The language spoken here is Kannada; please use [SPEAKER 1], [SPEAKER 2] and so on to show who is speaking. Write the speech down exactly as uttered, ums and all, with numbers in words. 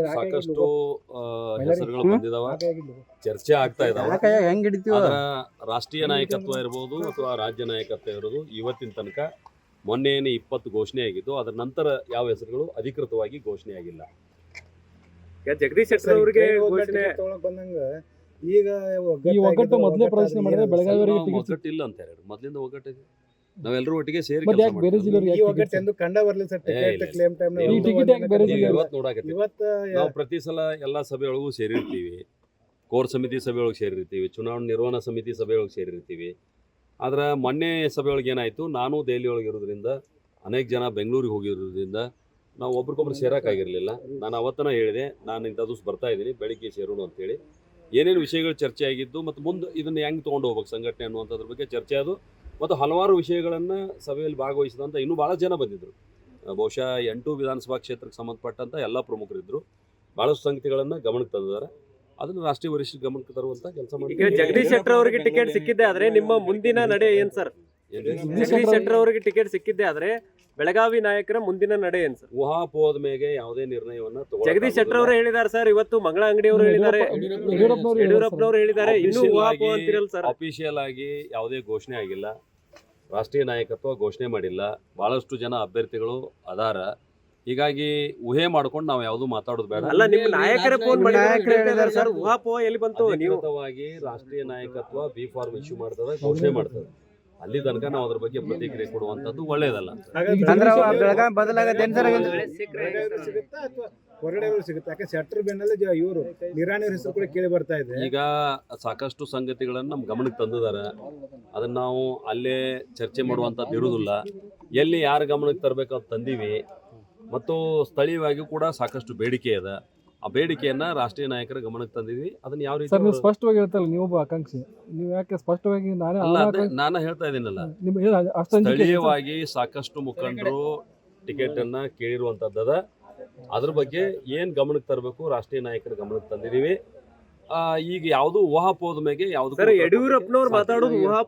[SPEAKER 1] ಸಾಕಷ್ಟು ಹೆಸರುಗಳು ಬಂದಿದಾವ, ಚರ್ಚೆ ಆಗ್ತಾ ಇದಾವ. ಅದರ ರಾಷ್ಟ್ರೀಯ ನಾಯಕತ್ವ ಇರ್ಬೋದು ಅಥವಾ ರಾಜ್ಯ ನಾಯಕತ್ವ ಇರೋದು ಇವತ್ತಿನ ತನಕ ಮೊನ್ನೆ ಏನು ಇಪ್ಪತ್ತು ಘೋಷಣೆ ಆಗಿದ್ದು, ಅದರ ನಂತರ ಯಾವ ಹೆಸರುಗಳು ಅಧಿಕೃತವಾಗಿ ಘೋಷಣೆ ಆಗಿಲ್ಲ.
[SPEAKER 2] ಜಗದೀಶ್ ಶೆಟ್ಟರ್ ಅವರಿಗೆ ಘೋಷಣೆ
[SPEAKER 3] ಬಂದಂಗ ಈಗ
[SPEAKER 4] ಒಗ್ಗಟ್ಟು ಮೊದಲೇ ಪ್ರದರ್ಶನ ಮಾಡಿದ್ರೆ ಬೆಳಗಾವಿ
[SPEAKER 1] ಒಗ್ಗಟ್ಟು ಇಲ್ಲ ಅಂತ ಹೇಳಿ ಮೊದಲಿಂದ ಒಗ್ಗಟ್ಟಿದೆ. ನಾವೆಲ್ಲರೂ ಒಟ್ಟಿಗೆ ಸೇರಿ
[SPEAKER 3] ಕಂಡ ಬರ್ಲಿ ಸರ್
[SPEAKER 1] ನಾವು ಪ್ರತಿ ಸಲ ಎಲ್ಲಾ ಸಭೆಯೊಳಗೂ ಸೇರಿರ್ತೀವಿ, ಕೋರ್ ಸಮಿತಿ ಸಭೆಯೊಳಗೆ ಸೇರಿರ್ತೀವಿ, ಚುನಾವಣಾ ನಿರ್ವಹಣಾ ಸಮಿತಿ ಸಭೆಯೊಳಗೆ ಸೇರಿರ್ತೀವಿ. ಆದ್ರೆ ಮೊನ್ನೆ ಸಭೆಯೊಳಗೆ ಏನಾಯ್ತು, ನಾನು ದೆಹಲಿ ಒಳಗೆ ಇರೋದ್ರಿಂದ ಅನೇಕ ಜನ ಬೆಂಗಳೂರಿಗೆ ಹೋಗಿರೋದ್ರಿಂದ ನಾವು ಒಬ್ರಿಗೊಬ್ರು ಸೇರೋಕ್ಕಾಗಿರಲಿಲ್ಲ. ನಾನು ಅವತ್ತನ ಹೇಳಿದೆ, ನಾನು ಇಂಥ ದಿವಸ ಬರ್ತಾ ಇದ್ದೀನಿ, ಬೆಳಿಗ್ಗೆ ಸೇರೋಣ ಅಂತೇಳಿ. ಏನೇನು ವಿಷಯಗಳು ಚರ್ಚೆ ಆಗಿದ್ದು ಮತ್ತು ಮುಂದೆ ಇದನ್ನು ಹೆಂಗೆ ತೊಗೊಂಡು ಹೋಗ್ಬೇಕು ಸಂಘಟನೆ ಅನ್ನುವಂಥದ್ರ ಬಗ್ಗೆ ಚರ್ಚೆ ಅದು. ಮತ್ತು ಹಲವಾರು ವಿಷಯಗಳನ್ನು ಸಭೆಯಲ್ಲಿ ಭಾಗವಹಿಸಿದಂಥ ಇನ್ನೂ ಭಾಳ ಜನ ಬಂದಿದ್ದರು. ಬಹುಶಃ ಎಂಟು ವಿಧಾನಸಭಾ ಕ್ಷೇತ್ರಕ್ಕೆ ಸಂಬಂಧಪಟ್ಟಂಥ ಎಲ್ಲ ಪ್ರಮುಖರಿದ್ದರು. ಭಾಳಷ್ಟು ಸಂಗತಿಗಳನ್ನು ಗಮನಕ್ಕೆ ತಂದಿದ್ದಾರೆ. ಅದನ್ನು ರಾಷ್ಟ್ರೀಯ ವರಿಷ್ಠ ಗಮನಕ್ಕೆ ತರುವಂಥ ಕೆಲಸ ಮಾಡಿ.
[SPEAKER 2] ಈಗ ಜಗದೀಶ್ ಶೆಟ್ಟರ್ ಅವರಿಗೆ ಟಿಕೆಟ್ ಸಿಕ್ಕಿದ್ದೆ ಆದರೆ ನಿಮ್ಮ ಮುಂದಿನ ನಡೆ ಏನು ಸರ್? ಜಗದೀಶ್ ಶೆಟ್ಟರ್ ಅವರಿಗೆ ಟಿಕೆಟ್ ಸಿಕ್ಕಿದ್ದೆ ಆದರೆ ಬೆಳಗಾವಿ ನಾಯಕರ ಮುಂದಿನ ನಡೆ ಏನು ಸರ್?
[SPEAKER 1] ಊಹಾಪೋಹದ ಮೇಲೆ ಯಾವುದೇ ನಿರ್ಣಯವನ್ನು ತಗೊಳ್ಳೋದು.
[SPEAKER 2] ಜಗದೀಶ್ ಶೆಟ್ಟರ್ ಅವರು ಹೇಳಿದ್ದಾರೆ ಸರ್, ಇವತ್ತು ಮಂಗಳ ಅಂಗಡಿ ಅವರು ಹೇಳಿದ್ದಾರೆ, ಯಡಿಯೂರಪ್ಪನವರು ಹೇಳಿದ್ದಾರೆ, ಇನ್ನೂ ಊಹಾಪೋಹ ಅಂತಿರಲ್ಲ ಸರ್.
[SPEAKER 1] ಅಫಿಷಿಯಲ್ ಆಗಿ ಯಾವುದೇ ಘೋಷಣೆ ಆಗಿಲ್ಲ, ರಾಷ್ಟ್ರೀಯ ನಾಯಕತ್ವ ಘೋಷಣೆ ಮಾಡಿಲ್ಲ. ಭಾಳಷ್ಟು ಜನ ಅಭ್ಯರ್ಥಿಗಳು ಅದಾರ. ಹೀಗಾಗಿ ಊಹೆ ಮಾಡ್ಕೊಂಡು ನಾವು ಯಾವುದು ಮಾತಾಡೋದು ಬೇಡ.
[SPEAKER 2] ಅಲ್ಲ, ನಿಮ್ಮ ನಾಯಕರ ಫೋನ್ ಮಾಡಿದ್ದಾರೆ ಸರ್, ಊಹಾಪೋಹ ಎಲ್ಲಿ ಬಂತು?
[SPEAKER 1] ಅಧಿಕೃತವಾಗಿ ರಾಷ್ಟ್ರೀಯ ನಾಯಕತ್ವ ಬಿ ಫಾರ್ಮ್ ಇಶ್ಯೂ ಮಾಡ್ತದೆ, ಘೋಷಣೆ ಮಾಡ್ತದೆ. ಅಲ್ಲಿ ತನಕ ನಾವು ಅದ್ರ ಬಗ್ಗೆ ಪ್ರತಿಕ್ರಿಯೆ ಕೊಡುವಂಥದ್ದು ಒಳ್ಳೇದಲ್ಲ.
[SPEAKER 3] ಹೊರಗಡೆ ಸಿಗುತ್ತೆ, ಯಾಕೆ ಶೆಟ್ಟರ್ ಬೆನ್ನಲ್ಲೇ ಇವರು ನಿರಾಣಿ ಹೆಸರು ಕೂಡ ಕೇಳಿ ಬರ್ತಾ ಇದೆ.
[SPEAKER 1] ಈಗ ಸಾಕಷ್ಟು ಸಂಗತಿಗಳನ್ನು ನಮ್ಮ ಗಮನಕ್ಕೆ ತಂದಿದ್ದಾರೆ. ಅದನ್ನ ನಾವು ಅಲ್ಲೇ ಚರ್ಚೆ ಮಾಡುವಂಥದ್ದು ಇರುವುದಿಲ್ಲ. ಎಲ್ಲಿ ಯಾರ ಗಮನಕ್ಕೆ ತರಬೇಕು ಅಂತ ತಂದೀವಿ. ಮತ್ತು ಸ್ಥಳೀಯವಾಗಿ ಕೂಡ ಸಾಕಷ್ಟು ಬೇಡಿಕೆ ಇದೆ. ಆ ಬೇಡಿಕೆಯನ್ನ ರಾಷ್ಟ್ರೀಯ ನಾಯಕರ ಗಮನಕ್ಕೆ ತಂದಿದ್ವಿ. ಅದನ್ನ ಯಾವ ರೀತಿ
[SPEAKER 4] ನೀವು ಸ್ಪಷ್ಟವಾಗಿ ಹೇಳ್ತಲ್ಲ, ನೀವು ಒಬ್ಬ ಆಕಾಂಕ್ಷಿ, ನೀವು ಯಾಕೆ ಸ್ಪಷ್ಟವಾಗಿ ನಾನೇ
[SPEAKER 1] ನಾನು ಹೇಳ್ತಾ ಇದ್ದೀನಲ್ಲ, ಸ್ಥಳೀಯವಾಗಿ ಸಾಕಷ್ಟು ಮುಖಂಡರು ಟಿಕೆಟ್ ಅನ್ನ ಕೇಳಿರುವಂತದ್ದದ. ಅದ್ರ ಬಗ್ಗೆ ಏನ್ ಗಮನಕ್ಕೆ ತರಬೇಕು ರಾಷ್ಟ್ರೀಯ ನಾಯಕರ ಗಮನಕ್ಕೆ ತಂದಿದೀವಿ. ಈಗ ಯಾವುದು ಊಹಾಪೋಹದ ಮೇಲೆ ಯಾವ್ದು
[SPEAKER 2] ಯಡಿಯೂರಪ್ಪನವ್ರು ಮಾತಾಡೋದು ಊಹಾ